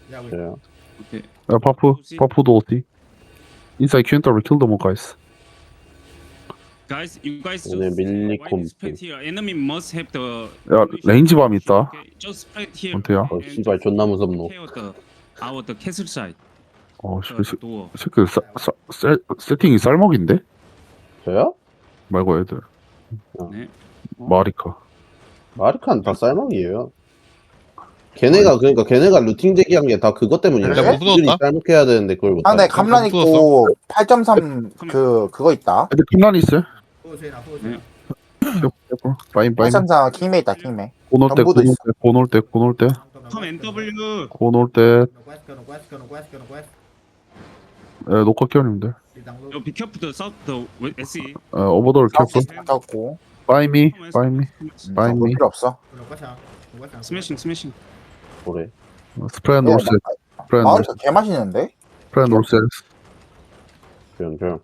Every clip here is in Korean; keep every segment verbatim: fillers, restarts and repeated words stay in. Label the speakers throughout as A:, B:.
A: 저요.
B: 오케이.
C: 야 바프 바프도 어디? Inside Q W kill them all guys.
B: Guys, you guys
A: 오늘
B: just
A: 밀리콤.
B: why spread here. Enemy must have the.
C: 야 레인지 밤 있다.
B: Okay, just spread here.
C: 원태야.
A: 어,
B: and
A: 씨발,
B: just
A: 존나 무섭노.
B: care the our the castle side.
C: 어
B: The
C: 씨,
B: door.
C: 이 새끼 사, 사, 세, 세팅이 쌀먹인데?
A: 저요?
C: 말고 애들
B: 네.
C: 마리카.
A: 마리카는 다 쌀먹이에요. 걔네가 그러니까 걔네가 루팅 제기한 게 다 그것 때문이에요.
D: 야, 못
A: 애들이
D: 넣었다?
A: 쌀먹해야 되는데 그걸 못.
E: 상대
A: 해.
E: 감란 있고 팔 점 삼 그 그거 있다.
C: 애들 핀란이 있어요?
B: 네.
C: 바인 바인.
E: 팔 점 삼 킹메 있다 킹메.
C: 고놀 때
E: 전부도
C: 고놀 때 고놀 때 고놀 때
B: Come N W.
C: 고놀 때. 에 녹화 키워님들.
B: Yo, be careful the south the S E.
C: 에 오버돌 켰고.
E: 켰고.
C: Buy me, buy me, buy
E: 볼
C: me.
E: 필요 없어.
B: 스매싱 스매싱.
A: 그래.
C: 스프레드 놀스, 스프레드
E: 마을
C: 놀스,
E: 개 맛있는데?
C: 스프레드 놀스.
A: 조용 조용.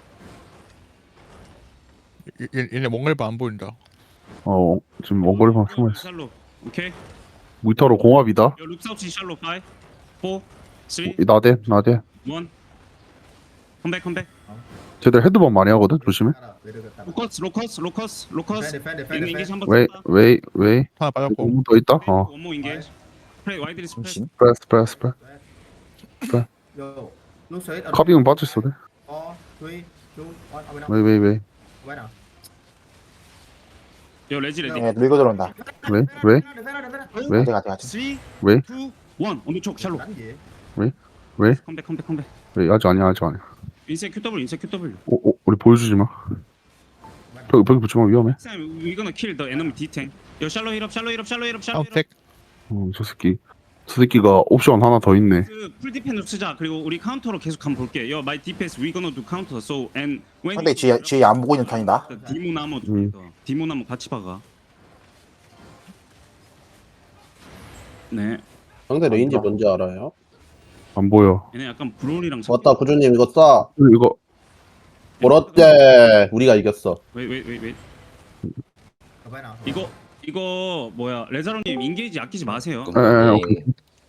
D: 얘- 얘- 얘네 몽골바 안 보인다.
C: 어 지금 원거리만 숨어 있어.
B: 샬로. 오케이.
C: 무이타로 공합이다.
B: Yo, look south 샬로 five, four, three,
C: 나대 나대.
B: one. Come back, come back.
C: 쟤들 헤드번 많이 하거든. 조심해.
B: 로커스, 로커스, 로커스, 로커스. 얘는 인게이지 한번
C: 웨이
B: 쳤다.
C: 웨이 웨이.
D: 하나 빠졌고.
C: 공더 있다. 어.
B: 원모 인게이지. 스프레이 와이드리 스프레이.
E: 정신.
C: 스프레드 스프레드 스프레드. 카빙은 빠졌어. 돼. 웨이 웨이 웨이
B: 요 레지 레디.
E: 예, 밀고 들어온다.
C: 웨이 웨이 웨이
E: 어디 가지 가지.
B: 쓰리,
C: 웨이
B: 투, 원. 언더 쪽 샬로.
C: 웨이
B: 컴백, 컴백, 컴백.
C: 웨이 아직 아니야 아직 아니야.
B: 인세 큐더블, 인세 큐더블.
C: 오, 오 우리 보여주지 마. 벽 벽이 붙이면 위험해.
B: Next time we gonna kill the enemy D tank. 요 샬로 힐업, 샬로 힐업, 샬로 힐업, 샬로 힐업.
D: 카운텍.
C: 어저 새끼 저 새끼가 옵션 하나 더 있네.
B: 그풀 디펜으로 쓰자. 그리고 우리 카운터로 계속 한번 볼게. 요 my defense we gonna do counter. So and when
E: 상대 뒤에 뒤에 안 보고 있는 턴이다.
B: 디모나모
C: 음.
B: 디모나모 같이 박아. 네.
A: 상대 레인지 뭔지 알아요?
C: 안 보여.
B: 얘네 약간 브롤이랑
A: 맞다 구조님 이거 쏴.
C: 이거
A: 그렇대. 우리가 이겼어.
B: 왜왜왜 왜? 이거 이거 뭐야 레자로님 인게이지 아끼지 마세요.
C: 에, 에, 오케이.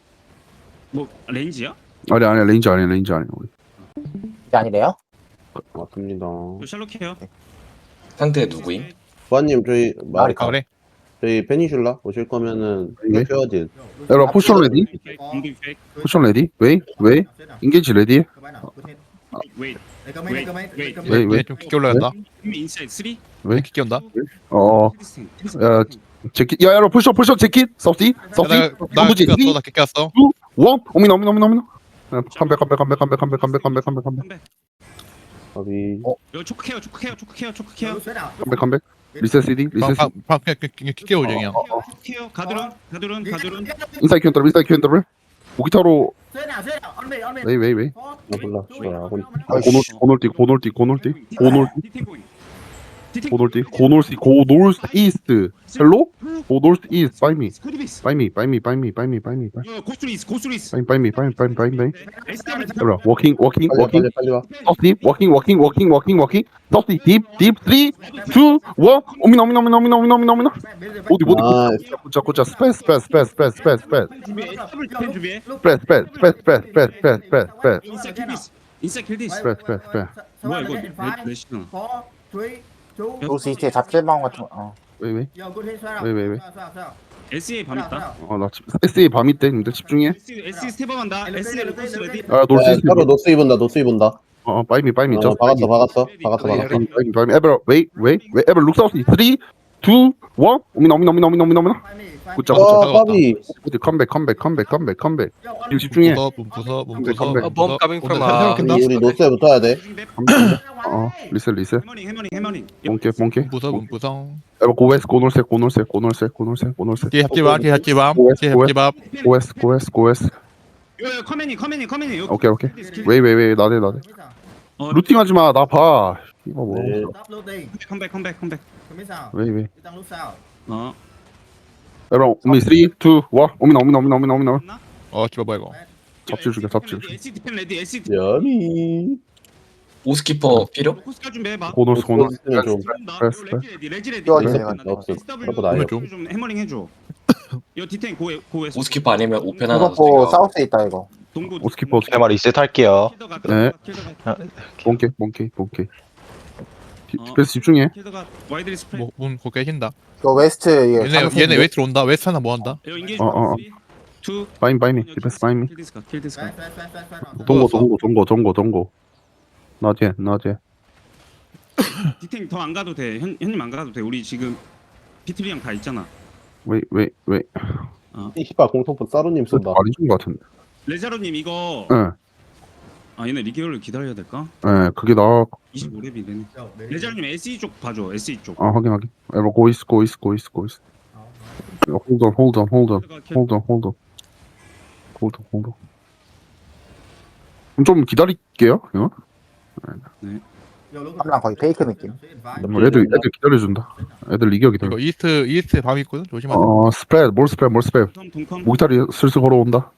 B: 뭐 렌즈야?
C: 아니 아니 레인지 아니야 레인지 아니야. 우리.
E: 이게 아니래요?
A: 맞습니다.
B: 요 샬롯해요.
F: 상대 누구임?
A: 부하님 저희
D: 아
A: 마리카
D: 그래?
A: 저희 페니슐라 오실 거면은
C: 네.
A: 켜야지.
C: 에라 포션 레디?
B: 공기 페이크.
C: 포션 레디? 웨이 웨이 인게이지 레디?
B: 웨이트.
C: 웨이 웨이.
D: 얘좀 깊게 올라간다.
B: 인사이드 쓰리.
C: 왜?
D: 깊게 온다.
C: 어. 야 재킷 야 에라 포션 포션 재킷 서티 서티
D: 나나
C: 누구지?
D: 깊게 왔어. 나 깊게 왔어.
C: 원 오미나 오미나 오미나 오미나. 컴백 컴백 컴백 컴백 컴백 컴백 컴백 컴백 컴백
B: 컴백.
A: 아비.
B: 요 초크 케어 초크 케어 초크 케어 초크 케어.
C: 컴백 컴백. 리셋 CD 리셋 CD.
D: 방방 깊게 오죠 그냥.
B: 초크 케어 가드론 가드론 가드론.
C: 인사이드 큐 더블 인사이드 큐 더블. 무기타로 웨이 웨이 웨이.
A: 아 몰라. 씨발 하고 있-
C: 고놀 고놀띠 고놀띠 고놀띠 고놀
B: 디탱 보잉. 디탱
C: 고놀띠 고놀스 고놀스 이스트 헬로 고놀스 이스트 바이 미
B: 스코디비스.
C: 바이 미 바이 미 바이 미 바이 미 바이 미 바이
B: 요 고스리스 고스리스.
C: 미 바이 미 바이 미 바이 미 바이 미
B: 에스타블
C: 에라 워킹 워킹
A: 빨리
C: 워킹
A: 빨리 빨리 와.
C: 서티 워킹 워킹 워킹 워킹 워킹 서티 딥딥 삼 이 일 오미나 오미나 오미나 오미나 오미나 오미나 오미나 어디 어디
A: 아,
C: 꽂자 꽂자 스페이스 스페이스 스페이스 스페이스 스페이스 스페이스
B: 준비해. 에스타블 디펜 준비해.
C: 스페이스 스페이스 스페이스 스페이스 스페이스 스페이스 스페이스
B: 인사 킬디스. 인사 킬디스.
C: 스페이스 스페이스 스페이스
B: 뭐야 이거 내 내시나.
E: 로스 이스트에 잡질방 같은 거. 어.
C: 왜 왜? 왜, 왜, 왜?
B: 에스에이 밤 있다.
C: 어나 에스에이 밤이 때 님들 집중해
B: 에스에이 스텝업한다. 에스에이 로스 레디.
C: 아 놀스
A: 야,
C: 이스트
A: 따로 노스 입은다. 노스 입은다.
C: 어 바이 미 바이 미
A: 어,
C: 저
A: 박았어 박았어 박았어 박았어.
C: 바이 미 바이 미 에버 웨이 웨이 웨이 에버 룩 사우스 삼 이 일 오미나 오미나 오미나 오미나 오미나 오미나 굿자 굿자
A: 아 까비.
C: 굿자 컴백 컴백 컴백 컴백 컴백 지금 집중해
D: 부서 문 부서 문
C: 컴백,
D: 부서.
C: 컴백.
F: 어, bomb coming from
D: 오늘
F: A.
D: 새로
A: 우리 우리 노스에 붙어야 돼.
C: 어 리셋 리셋
B: 해머닝 해머닝 해머닝.
C: 몽케 몽케
D: 문 부서 문 부서.
C: 에버 고웨스 고놀색 고놀색 고놀색 고놀색 고놀색
D: 뒤에 합지밥 뒤에 합지밥 뒤에 합지밥.
C: 고웨스 고웨스 고웨스
B: 요 커맨이 커맨이 커맨이.
C: 오케이 오케이 웨이 웨이 웨이 나대 나대
B: 어,
C: 루팅하지 마나봐 이거 뭐
A: 네.
B: 컴백 컴백 컴백.
C: 웨이 웨이
B: 어.
C: 에버 우미 삼 이 일 오미나 오미나 오미나 오미나 오미나
D: 어 집어 뭐야 이거.
C: 잡질 죽여 잡질 죽여
B: 에스이 디펜 레디 에스이
A: 야미.
F: 오스키퍼 필요?
B: 코스카 준비해 봐.
C: 고놀스 고놀스
A: 노스는 좀.
C: 그래서,
B: 레지 레디 레지 레디.
E: 띄워주세요.
A: 없어.
B: 에스더블유
A: 그러고 나요.
B: 좀 해머링 해줘. 요 디테인 고에 고에.
F: 오스키퍼 아니면 오펜 하나
E: 이거
F: 더
E: 사우스에 있다 이거.
B: 동부.
C: 오스키퍼
G: 제 말 리셋 할게요.
B: 킬더가
C: 네.
B: 킬더가
C: 몽케 몽케 몽케.
B: 어.
C: 디펜스 집중해.
B: 킬더가 와이드리 스프레드.
D: 뭐문 곧 깨진다.
E: 이거 웨스트 이게
D: 얘네
E: 잠수인데?
D: 얘네 웨이트로 온다. 웨스트 하나 뭐 한다.
B: 요 인게이지.
C: 어, 어, 어.
B: 투.
C: 바인 바인미. 디펜스 바인미.
B: 킬 디스카. 킬 디스카.
C: 동고 동고 동고 동고 동고. 나제 나제.
B: 디테인 더 안 가도 돼. 현 현님 안 가도 돼. 우리 지금 비트리랑 다 있잖아.
C: 왜 왜 왜?
A: 이 씨발 공통포 사루님 쏜다.
C: 많이 준것 같은데.
B: 레자로님 이거
C: 예.
B: 아 얘네 리기어를 기다려야 될까?
C: 예. 그게 나.
B: 이십오 렙이 되네. 레자로님 에스이 쪽 봐줘. 에스이 쪽.
C: 아 확인 확인. 에버 고이스 고이스 고이스 고이스. hold on hold on hold on hold on hold on hold on hold on. 그럼 좀 기다릴게요. 이거.
E: 랑 거의 페이크 느낌.
C: 뭐 애들 애들 기다려준다. 애들 이겨 기다려.
D: 이거 이스트 이스트에 밤이 있거든. 조심하자.
C: 어 스프레드 뭘 스프레드 뭘 스프레드.
B: 동컴 동컴.
C: 모기다리 슬슬 걸어온다.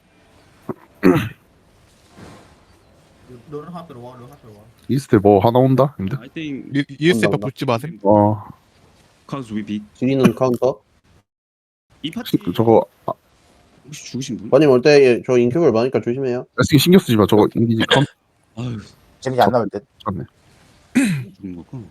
C: 이스트에 뭐 하나 온다. 근데
B: I think
D: 이- 이스트에
A: 온다,
D: 붙지 마세요.
C: 어
B: cause we beat.
A: 뒤는 카운터.
B: 이 파티
C: 저거 아,
B: 혹시 죽으신 분?
A: 번님 올 때 저 인큐브를 많으니까 조심해요.
C: 레슬링 신경 쓰지 마. 저거 인기지 컨
B: 아유
E: 재미지 안 나올 듯.
C: 졌네.
B: 죽은 거고.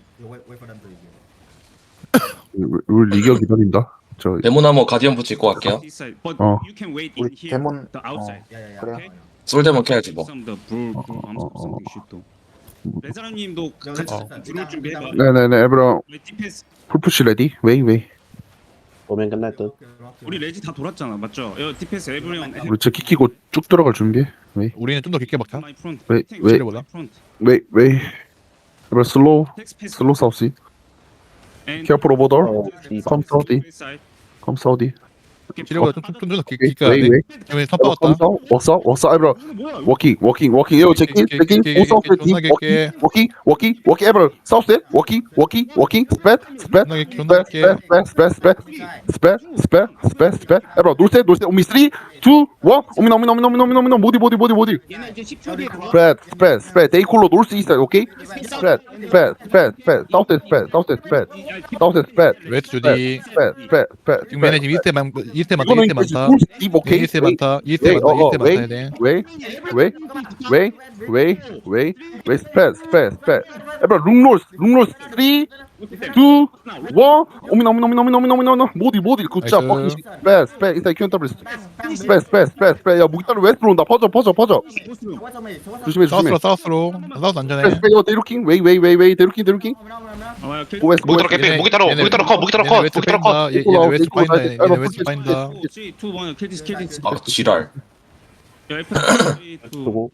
C: 우리- 우리 리겨 기다린다. 저
F: 데모나무 가디언 부츠 입고 갈게요.
B: This side, but
C: 어.
B: you can wait in
E: 우리
B: here.
E: 데몬
B: The outside.
E: 그래.
B: Okay?
F: 솔데몬 캐야지 뭐.
B: Some the brew,
C: 어,
B: brew,
C: 어,
B: I'm
C: 어,
B: something shit 또. 레자라님도 같이
D: 어.
B: 들어올 준비해봐.
C: 네네네 에브라
B: 우리 디펜스
C: 풀푸시 레디 웨이 웨이.
A: 오면 끝날 듯.
B: 우리 레지 다 돌았잖아, 맞죠? 여 디펜스 에브리온.
C: 우리 제 키키고 쭉 들어갈 준비. 웨이
D: 우리는 좀 더 깊게 막자.
B: 마이 프론트.
C: 왜- 왜- 웨이 웨이. 에브라 슬로우 슬로우 사우스. 케어풀 오버 더.
A: 어, 이
C: 컴 사우디. 컴 사우디.
D: 지뢰보다 좀좀더 깊게
C: 웨이
D: 가야
C: 웨이
D: 돼.
C: 웨이.
D: 그러면 선
C: 컴
D: 빠졌다.
C: 사우. 워서 워서 에브라.
B: 뭐야?
C: 워킹 워킹 워킹 요 체킹
D: 오케이,
C: 체킹
D: 오케이,
C: 오사우스
D: 오케이,
C: 딥
D: 존나 깊게.
C: 워킹 워킹 워킹 워킹 에브라 사우스 워킹 워킹 워킹 스프레드
D: 존나 깊게, 존나
C: 스프레드
D: 깊게.
C: 스프레드 스프레드 스프레드 스프레드 스프레드 스프레드 에브라 놀세 놀세 오미 쓰리 이 일 오미나 오미나 오미나 오미나 오미나 오미나 모디 모디 모디 모디
B: 얘네 이제 십 초 뒤에 돌아.
C: 스프레드 스프레드 스프레드 데이콜로 놀스 이스트 오케이 스프레드 스프레드 스프레드 스프레드 사우스 스프레드 사우스 스프레드 사우스 스프레드
D: 웨스트 주디.
C: 스프레드 스프레드 스프레드
D: 지금 얘네 지금 이스트에 많 이스트에 많다.
C: 이거는
D: 이스트에 많다.
C: 놀스 딥 오케이
D: 이스트에 많다. 이스트에
C: 웨이,
D: 많다.
C: 어, 어,
D: 이스트에
C: 웨이.
D: 많다. 얘네.
C: 웨이 웨이 웨이 웨이 웨이 웨이 스프레드 스프레드 스프레드 에브라 룩롤스 룩롤스 쓰리 이 일 오미나 오미나 오미나 오미나 오미나 오미나 모디 모디 굿잡
D: 나이스.
C: 퍼킹 스프레드 스프레드 인사이드 큐엔터블 스프레드 스프레드 스프레드 스프레드 야 무기따로 웨스트로 온다 퍼져 퍼져 퍼져 조심해 조심해
D: 사우스로 사우스로. 사우스 안전해.
C: 스프레드 요 데루킹 웨이 웨이 웨이 웨이 데루킹 데루킹
B: 아, 킬.
C: 고웨스
G: 무기 들어
C: 고웨스
G: 개피 무기 따로 무기 따로 컷 무기 따로 컷
D: 웨스트
G: 무기 따로 컷.
D: 파인다. 얘- 얘네 웨스트 파인다. 얘네 웨스트 파인다.
B: 삼, 이, 일, 킬 디스 킬 디스.
F: 아 지랄.
B: 야, F 삼, 이, 이.
A: 두고.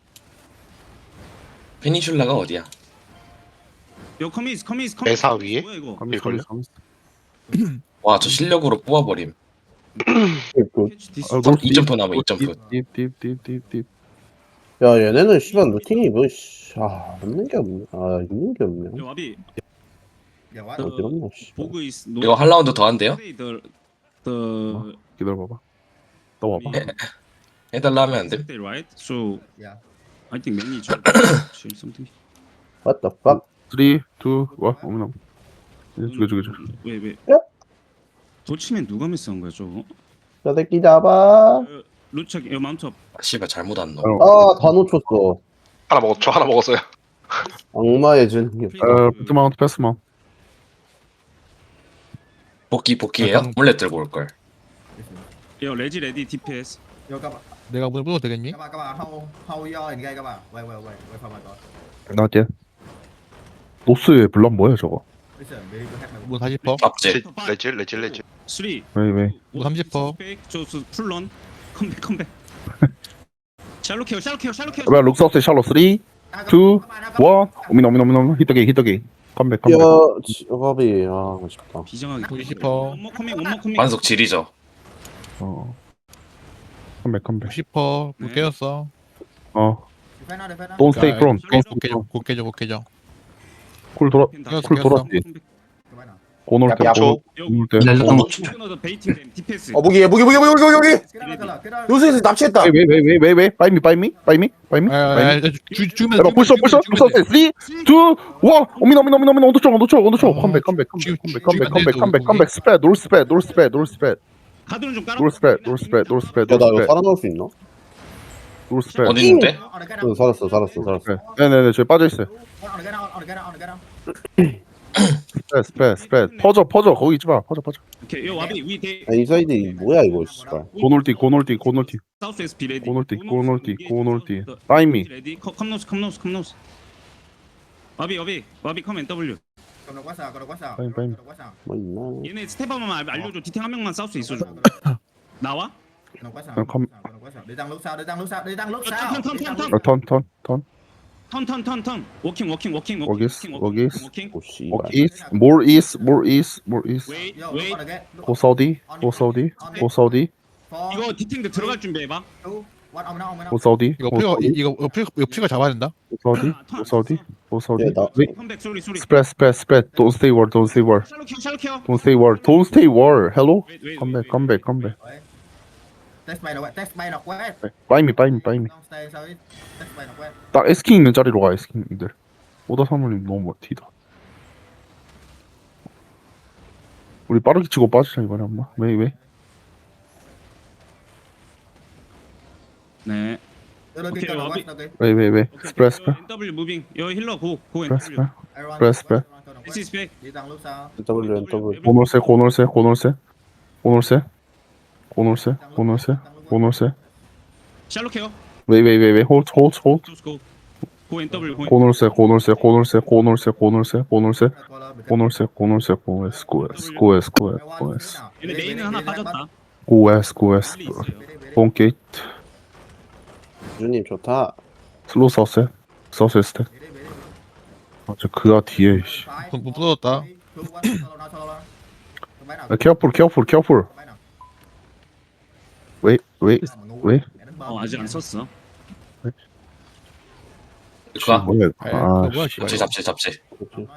F: 페니슐라가 어디야?
B: 요 커미스 커미스 커미스.
G: 매사 위에?
B: 뭐야 이거?
C: 가미스 가미스 가미스
F: 와 저 실력으로 뽑아버림.
A: 그,
B: 캐치 디스.
C: 아,
F: 점-
C: 놀스
F: 이 점프 남아, 이 점프.
C: 딥딥딥딥딥
A: 야 얘네는 씨발 루팅이 뭐 씨. 아 없는 게 없네. 아 있는 게 없네.
B: 요 와비.
A: 어지럽나 씨.
B: 보그 is
F: 이거 한 라운드 더 한대요?
B: the the
C: 기다려봐봐 너 와봐
F: 해달라 하면 안 돼?
B: they right? So I think many something.
A: What the fuck?
C: 쓰리 이 일 오미나 죽여 죽여 죽여
B: 왜 왜?
A: 야?
B: 도치면 누가 미스한 거야 저거?
A: 저 새끼 잡아.
B: 루착 요 마운트 업.
F: 아, 씨발 잘못 안 넣어.
C: 어,
A: 아다 놓쳤어.
G: 하나 먹었죠 하나 먹었어요.
A: 악마의 진격.
C: 어 패스 마운트 패스 마운트
F: 복귀 복귀해요?
D: 약간-
F: 몰래 들고 올 걸.
B: 요 레지 레디 디피에스.
D: 내가 물 불어도 되겠니?
H: các bạn các bạn hold hold your in đây các bạn wait wait wait wait for my god
C: 나한테 노스의 블람 뭐야 저거
H: listen we need to have my
D: 뭐 사십 퍼.
F: 잡지.
G: 레지 레지 레지.
B: 삼.
C: 웨이 웨이
B: 뭐
D: 삼십 퍼.
B: 저저 풀런 컴백 컴백. 샬롯 케어 샬롯 케어 샬롯 케어.
C: 에브라 룩사우스 샬로 쓰리 이 일 오미나 오미나 오미나 오미나 히터게이 히터게이 컴백 컴백
A: 야 지갑이 아 아쉽다.
B: 비정하게.
D: 구십 퍼.
B: 원모 커밍 원모 커밍.
F: 반속 지리죠.
C: 어 컴백 컴백
D: 구십 퍼. 물
B: 네.
D: 깨졌어.
C: 어
H: defend now defend now
C: Don't stay front Don't
D: 곧 깨져. 곧 깨져. 곧 깨져.
C: 쿨 돌아
B: 다
C: 쿨 돌았지
H: các bạn nào
C: 고놀 때
E: 야,
C: 고놀 때
B: 어, 베이팅 댐 디펜스.
E: 어 무기 무기 무기 무기 무기 무기.
H: cái đó là cái là cái đó
E: 요새에서 납치했다.
C: 웨이 웨이 웨이 웨이 웨이 바이미 바이미 바이미 바이미
D: 아, 아,
C: 바이미
D: 아, 주 주면
C: 에브라 벌써 벌써 룩사우스 쓰리 이 일 오미나 오미나 오미나 오미나 온도초 온도초 온도초 컴백 컴백 컴백 컴백 컴백 컴백 컴백 컴백 스프레드 놀 스프레드 놀 스프레드 놀 스프레드
B: 가드는 좀 깔아.
C: 노스 스프레드 노스 스프레드 노스 스프레드
A: 야나
C: 노스
A: 이거
C: 스프레드
A: 살아남을 수 있나?
C: 노스 스프레드
F: 어디 있는데?
A: 응 살았어 살았어 살았어.
C: 네. 네네네 저기 빠져있어요 스프레드 스프레드 스프레드 퍼져 퍼져 거기 있지마 퍼져 퍼져
B: 오케이. 요 와비 위 대.
A: 아 인사이드 이 뭐야 이거 씨발.
C: 고놀띠 고놀띠 고놀띠
B: 사우스 에스 피 레디.
C: 고놀띠 고놀띠 고놀띠 타이미
B: 레디. 컴노스 컴노스 컴노스. 와비 와비 와비 컴 더블유.
C: 빨리, 빨리.
A: 뭐 있나?
B: 얘네 스텝 한 번만 알려줘. 디탱 한 명만 사우스 있어줘. 나와?
H: đi tăng lúc sau đi tăng lúc sau đi tăng lúc
B: Thăm,
H: sau
B: thăm, thăm,
H: đi tăng
B: thăm.
H: lúc-
C: 턴턴턴
B: 턴 턴 턴 턴. 워킹 워킹 워킹 워킹.
C: 워기스,
B: 워킹,
C: 워기스.
B: 워킹.
A: 오 씨발.
C: 워 이스 more east more east more east
B: 웨이
H: Vô,
B: 웨이.
H: lúc on the gate, lúc-
C: 고 사우디 고 사우디 고 사우디
H: Four,
B: 이거 디탱들 들어갈 준비해봐.
H: two, one, ông nó, ông nó.
C: 고 사우디
D: 이거
C: 고
D: 프리가
C: 사우디
D: 이거 이거 프리 이거 프리가 잡아야 된다.
C: 고 사우디 고 사우디 고 사우디
A: 야, 나-
C: 웨이
B: 컴백 소리 소리.
C: 스프레드 스프레드 스프레드 don't stay war don't stay war
B: 샬로 켜 샬로 켜.
C: don't stay war don't stay war hello
B: 웨이, 웨이,
C: come
B: 웨이,
C: back come back come back
H: Test bay nào quét, test bay nào quét.
C: buy me buy me buy me
H: Don't stay sau ít. Test bay nào quét.
C: 딱 에스킹 있는 자리로 가 에스킹들 오다 사모님 너무 멋지다 우리 빠르게 치고 빠지자 이번에 엄마 왜 왜?
B: 네.
H: Đưa đôi
B: Ok,
H: kia nào
B: Bobby.
H: quét, đôi kia.
C: 왜 왜 왜? 스프레드 스프레드
B: 엔더블유 무빙. 여 힐러 고. 고
C: 스프레드
B: 엔더블유.
C: 스프레드
H: Everyone
C: Press,
H: nào
C: press.
H: quét, everyone nào
B: This
H: quét.
B: is back.
H: Đi tăng lúc sau.
A: W N W.
C: 고놀세 고놀세 고놀세 고놀세 고놀세 고놀세 고놀세
B: 샬로 켜.
C: 왜 왜 왜 왜 홀드 홀드 홀드
B: Let's go. 고 엔더블유 고.
C: 고놀세 고놀세 고놀세 고놀세 고놀세 고놀세
H: Color bị
C: 고놀세 고놀세 고에스 고에스 고에스 고에스 고에스
B: 얘네 메인은 하나 빠졌다.
C: 고에스 고에스
B: 빨리 있어요.
C: 본게이트
A: 주님 좋다.
C: 슬로우 사우스 사우스 스택 아저 그가 뒤에 씨
D: 부- 부- 부서졌다.
C: 케어풀 케어풀 케어풀 왜 왜 왜?
B: 어 아직 안 썼어.
F: 그가
C: 뭐야
D: 아,
C: 아
D: 그거 뭐야 씨발.
F: 잡지 잡지 잡지.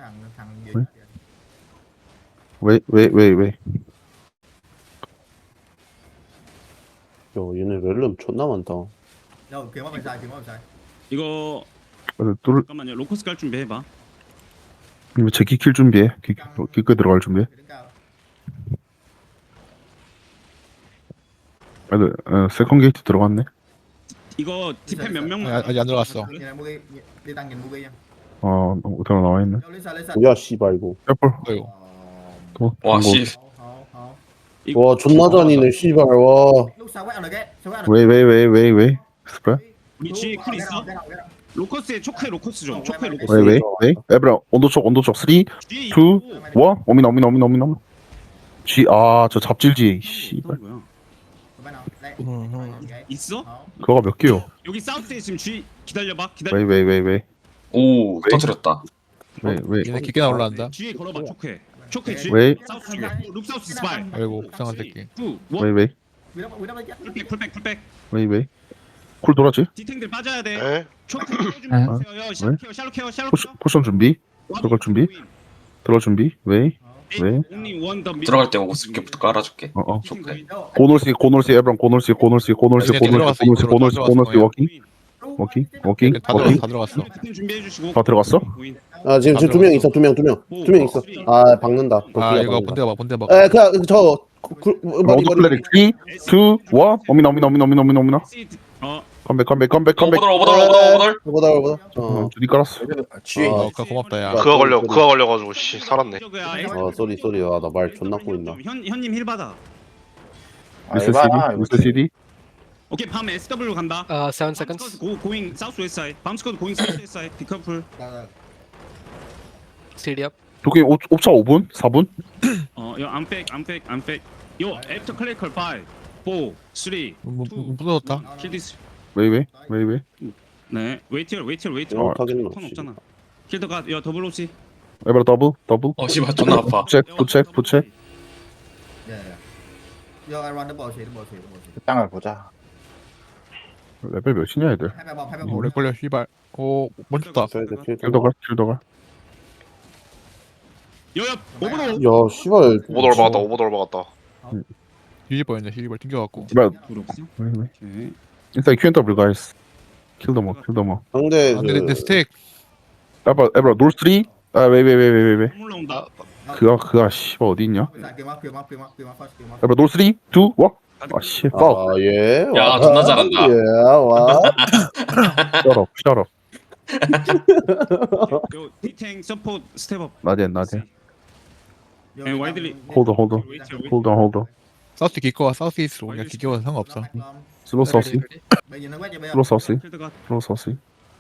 C: 왜 왜 왜 왜?
A: 야 얘네 렐름 존나 많다.
H: Đâu, kiếm vào bên sai, kiếm vào bên sai.
B: 이거
C: 뚫
B: 잠깐만요. 로커스 깔 준비해봐.
C: 이거 제키 킬 준비해 기꺼 들어갈 준비해
H: Đứng cao.
C: 애들 어, 세컨 게이트 들어갔네
B: 이거 디펜 몇
D: 아,
B: 명만.
D: 아직 안 들어갔어.
H: Nhìn này Mugi, đi tăng nhìn Mugi nha.
C: 어 들어 나와 있네
H: Đâu, Lisa, Lisa.
A: 뭐야 씨발 이거.
C: 케어풀
D: 어이구.
H: Ờ,
C: 또
F: 와
C: 뭐,
F: 씨.
H: hổ, hổ.
B: 이거
A: 와 존나 잔이네 씨발 와.
H: Lúc sau quét on the gate, sau quét on the
C: 왜 왜 왜 왜 왜 스프레
B: 우리 G 쿨
H: gate.
B: 있어?
H: Get out, get out.
B: 로커스에 초크에 로커스 좀. 초크에 로커스.
C: 왜 왜 왜 에브라 온도 쪽 온도 쪽 삼, 이,
B: G
C: 일 오미나 오미나 오미나 오미나 지아저 잡질지 씨발
B: 뭐야?
H: Bên nào? Đây.
D: 음, 음.
H: On the gate.
B: 있어?
H: Hổ.
C: 그거가 몇 개요
B: 여기 사우스에 지금 G 기다려봐. 기다려.
C: 왜 왜 왜 왜
F: 오 터뜨렸다.
C: 왜 왜
D: 얘네 깊게나 올라간다.
B: G에 걸어봐. 초크에. 초크에 G.
C: 왜?
B: 사우스 쪽에. 룩 사우스 스파이.
D: 아이고 이상한 새끼.
B: 투,
C: 왜
B: 원.
C: 왜
H: We don't- we don't get-
B: 풀백 풀백 풀백.
C: 왜 왜 쿨 돌았지
B: 디탱들 빠져야 돼.
G: 에?
B: 초크 준비하세요. 샬로 케어 샬로 케어 샬로
C: 포션 포션 준비 들어갈 준비 들어갈 준비 왜 왜?
F: 들어갈 때 오고 스킵부터 깔아줄게.
C: 어어
F: 좋게.
H: Đâu,
C: 고놀시 고놀시 에브랑 고놀시 고놀시 고놀시
D: 이제
C: 고놀시
D: 들어갔어,
C: 고놀시
D: 이쪽으로
C: 고놀시
D: 들어갔어,
C: 고놀시
D: 거의.
C: 워킹 워킹 워킹
D: 다 들어갔어
C: 워킹
D: 다 들어갔어.
B: 디탱 준비해 주시고.
C: 다 들어갔어?
A: 아 지금 지금 두 명 있어 두 명 두 명 두 명 있어. 아 박는다.
D: 아
A: 도끼가
D: 이거
A: 박는다.
D: 본대가 봐 본대 봐.
A: 에 그냥 저 그, 머리
C: 모두
A: 머리.
C: 클래릭 삼, 이, 일 오미나 오미나 오미나 오미나 오미나 오미나
B: 어
C: 컴백 컴백 컴백 컴백
F: 오버돌 오버돌 오버돌 오버돌.
A: 보다 보다.
C: 어
A: 어.
C: 주디 깔았어
D: 어 그거 고맙다 야.
G: 그거 걸려 그거 걸려가지고 씨 살았네.
A: 어 쏘리 쏘리. 아나 말 존나 꼬인다.
B: 현 현님 힐 받아.
C: 미스 씨디 미스 씨디
B: 오케이 밤 에스더블유 간다.
I: Uh, seven seconds.
B: 고 고잉 사우스 웨스트 사이드. 밤 스쿼드 고잉 사우스 웨스트 사이드. 피커플.
H: đâu, đâu.
I: C D up.
C: 도끼 옵차 오 분 사 분
B: 어요 암백 암백 암백. 요 애프터 클래컬 오, 삼, 이,
D: 무- 무- 부서졌다.
B: 킬 디스.
C: 왜 왜 왜 왜
B: 네 웨이티얼 웨이티얼 웨이티얼.
A: 어 타겟은
B: 턴
A: 없지.
B: 없잖아. 킬더가 야 더블 오시.
C: 에브라 더블 더블
F: 어 씨발 존나 아파.
C: 부책 부책 부책
H: Yeah, yeah. Vô, everyone double shield, double shield, double shield.
E: 땅을 보자.
C: 레벨 몇이냐 애들
H: Hai ba bom, hai ba
D: 오래
H: bom.
D: 걸려 씨발. 오 멈췄다.
A: 쏘리 쏘리.
C: 킬더가 킬더가
B: 여야 오버로.
A: 야 씨발.
G: 오버돌 박았다 오버돌 박았다.
D: 유지 뻔했네 유지벌 튕겨갖고.
C: 에브라
B: 둘 없어?
C: 왜 왜
B: 오케이.
C: 인사이 큐앤더블 가이스 킬더머 킬더머
A: 상대
D: 아 근데 내
A: 그
D: 스택
C: 에브라 에브라 놀 삼 아왜왜왜왜왜
B: 물 나온다.
C: 그가 그가 씨발 어디 있냐?
H: Dạ, kiếm up, kiếm up, kiếm up, kiếm up first, kiếm up.
C: 에브라 놀 쓰리, 투, 원. 아 씨, 파울.
A: 아, 예.
F: 야,
A: 와,
F: 존나 잘한다.
A: 예, 와.
C: 쩔어, 쩔어.
B: 요 디탱 서포트 스텝업.
C: 나대, 나대.
H: Vô
B: Em
H: đi,
B: quay
H: tao-
B: đi lì.
C: 홀더, 홀더, 홀더, 홀더.
D: 사우스 기꺼와 사우스 이스트로 그냥 기겨와 상관없어.
C: 슬로 사우스,
H: Bây giờ nó quét cho bây giờ.
C: 슬로 사우스,
B: 필드가
C: 슬로 사우스.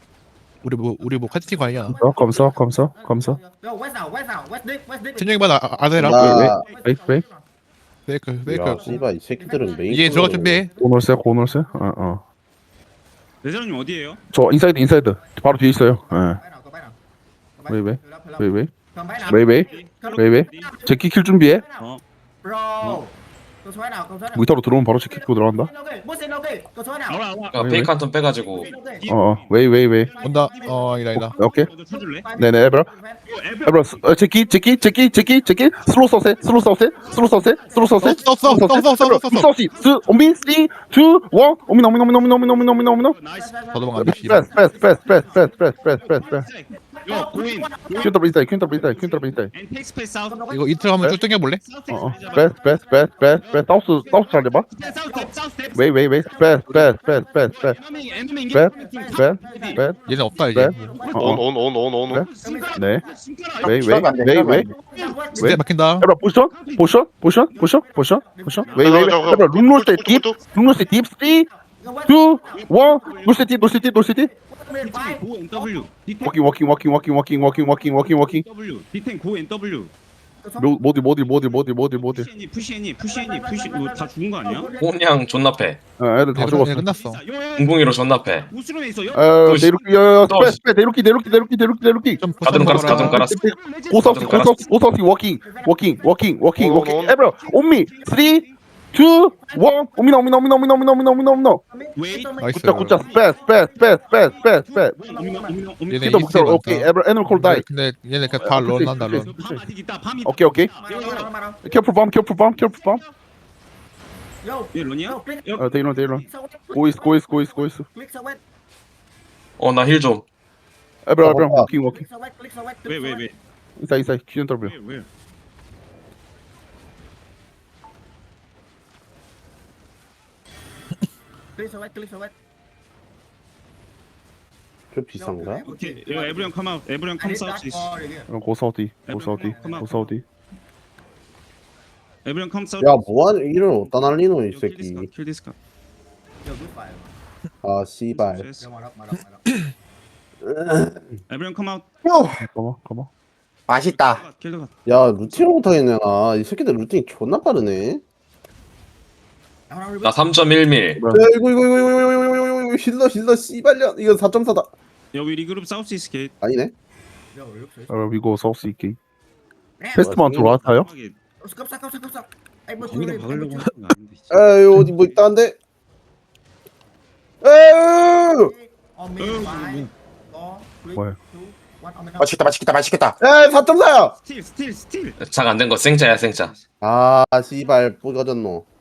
D: 우리 뭐 우리 뭐 카티팀 아니야?
C: 어, 감사, 감사, 감사.
H: Yo, quét nào, quét nào, quét deep, quét deep.
D: 천정이만 아, 아세라.
A: 나-
C: 웨이, 웨이.
D: 페이크
A: 야,
D: 페이크.
A: 씨발, 이 새끼들은 메인.
D: 이제 들어갈 준비해.
C: 고놀세, 고놀세. 어, 어.
B: 레저님 어디에요?
C: 저 인사이드, 인사이드. 바로 뒤에 있어요. 예.
H: Quét nào, có quét nào. Có quét.
C: Wait, wait.
H: Fill up, fill up.
C: 웨이, 웨이,
H: Cầm quét nào.
C: 웨이, 웨이, 웨이, 웨이. 제키 킬 준비해.
B: 어.
H: Bro. Có số quét nào, có số nào.
C: 무이타로 들어오면 바로 제키 키고 들어간다.
H: Ok, bút xin ok, có số nào.
B: 나와 나와.
F: 그러니까 페이크 한 턴 빼가지고
H: Ok.
C: 어, 어. 웨이, 웨이, 웨이.
D: 온다. 어 아니다 아니다.
C: 오케이.
B: 너도 쳐줄래?
C: 네네, 에브라. 에브라, 어, 제키, 제키, 제키, 제키, 제키. 슬로 서세, 슬로 서세, 슬로 서세, 슬로 서세.
D: 써, 써, 써, 써, 써, 써, 써, 써.
C: 서시, 스, 오미, 쓰리, 투, 원. 오미, 오미, 오미, 오미, 오미, 오미, 오미, 오미, 오미.
B: 나이스.
D: 저도 막 안 돼.
C: 패스, 패스, 패스, 패스, 패스, 패스, 패스, 패스, 패스.
B: 요 고인.
C: 퀸터 브리스타일, 퀸터 브리스타일, 퀸터 브리스타일.
B: 앤 테이크 스페이스 사우스.
D: 이거 이틀 한번 쭉 당겨 볼래?
B: 사우스
C: 어, 어.
B: 스텝
C: 패스, 패스, 패스, 패스, 패스. 사우스, 사우스 잘 해봐.
B: 사우스 스텝 사우스 스텝.
C: 웨이, 웨이, 웨이. 패스, 패스, 패스, 패스, 패스.
B: 에너미 에너미
C: 패스, 패스, 패스,
D: 얘는 없다 이제.
C: 패스. 어, 어.
G: 온 온 온 온 온.
C: 네. 웨이, 웨이,
E: 시간 안 돼,
C: 웨이,
E: 시간
C: 웨이.
E: 안 돼.
D: 진짜 막힌다.
C: 에브라, 포션, 포션, 포션, 포션, 포션, 포션. 웨이, 웨이, 웨이. 에브라, 룸롤스 딥, 룸롤스 딥, 쓰리, 투, 원. 놀스 딥, 놀스 딥, 놀스 딥.
B: 고 엔 더블유. 디탱
C: 워킹, 워킹, 워킹, 워킹, 워킹, 워킹, 워킹, 워킹, 워킹.
B: 더블유. 디탱 고 엔 더블유.
C: 로- 모딜, 모딜, 모딜, 모딜, 모딜, 모딜.
B: 푸시 애니 푸시 애니 푸시 애니 푸시 이거 다 죽은 거 아니야?
F: 혼양 존나 패.
C: 어, 애들 다 죽었어.
D: 끝났어.
F: 웅궁이로 존나 패.
B: 우스룸에 있어. 요.
C: 어,
F: 또 씨.
C: 내륙기, 야, 야,
F: 또
C: 스페, 스페, 내륙기, 내륙기, 내륙기, 내륙기, 내륙기.
D: 좀
F: 가드론 깔았어, 가드론 깔았어.
C: 고서스, 고서스, 고서스, 워킹, 워킹, 워킹, 워킹,
G: 온,
C: 워킹.
G: 온.
C: 에브라, 온미, 쓰리, 투, 원. 오미나, 오미나, 오미나, 오미나, 오미나, 오미나, 오미나, 오미나.
B: 웨이.
D: 나이스.
C: 굿자, 굿자, 스페, 스페, 스페, 스페, 스페, 스페.
B: 오미나 오미나 오미나.
D: 얘네
C: 킨더 북서,
D: 이스트에
C: 오케이.
D: 많다.
C: 에브라, 애널 콜 다이.
D: 근데 얘네 그냥 다 런한다 런.
B: 밤 아직 있다. 밤 있다.
C: 오케이, 오케이.
H: Yo,
C: 캐플 밤, 캐플 밤, 캐플 밤.
B: 얘 런이야?
H: yo, click.
C: 어, 데이런, 데이런. 고이스, 고이스, 고이스, 고이스.
H: Click so wet.
F: 어 나 힐 좀.
C: 에브라, 에브라, 워킹, 워킹.
H: Click so wet, click so wet.
B: 왜 왜 왜?
C: 인사이, 인사이, 기준 더블.
B: 왜 왜?
H: Click so wet, click so wet.
A: 좀 비싼가?
B: 오케이. 요 에브리언 컴 아웃. 에브리언 컴 사우스.
C: 어, 고사우디, 고사우디, 고사우디.
B: 에브리언 컴 사우스.
A: 야, 뭐하냐, 이런 어디다 날리노, 이
B: 킬 디스카.
A: 새끼.
B: 킬 디스카.
H: Yo, good fire.
A: 아, 씨발.
H: Yo, mở rộng, mở rộng, mở rộng.
B: 에브리언 컴 아웃.
C: 가만, 가만.
E: 맛있다.
B: 킬드 가.
A: 야, 루팅을 못하겠네, 나. 이 새끼들 루팅 존나 빠르네.
H: Nào, nào,
F: 나 삼 점 일 밀.
A: 야, 이거, 이거, 이거, 이거, 이거, 이거, 이거, 이거, 이거, 힐러, 힐러, 씨발년. 이거 사 점 사다.
B: 여기 리그룹 사우스 이스 게이트.
A: 아니네.
H: Yo, look, look.
C: 어, 이거 사우스 있게.
H: Nè,
C: 페스트만 들어왔어요?
H: cấp sắc, cấp sắc, cấp sắc. Em bước
B: 거기다
H: đi, em
B: 박으려고
H: bước
B: 하는 거 아닌데.
A: 에이, 어디 뭐 있다는데? 에이!
H: On me, five, four, three,
C: 뭐야?
H: two, one, on me now.
E: 맛있겠다, 맛있겠다, 맛있겠다.
A: 에이, 사 점 사야!
B: 스틸 스틸 스틸.
F: 작 안 된 거 생짜야 생짜.
A: 아, 씨발, 뿌겨졌노.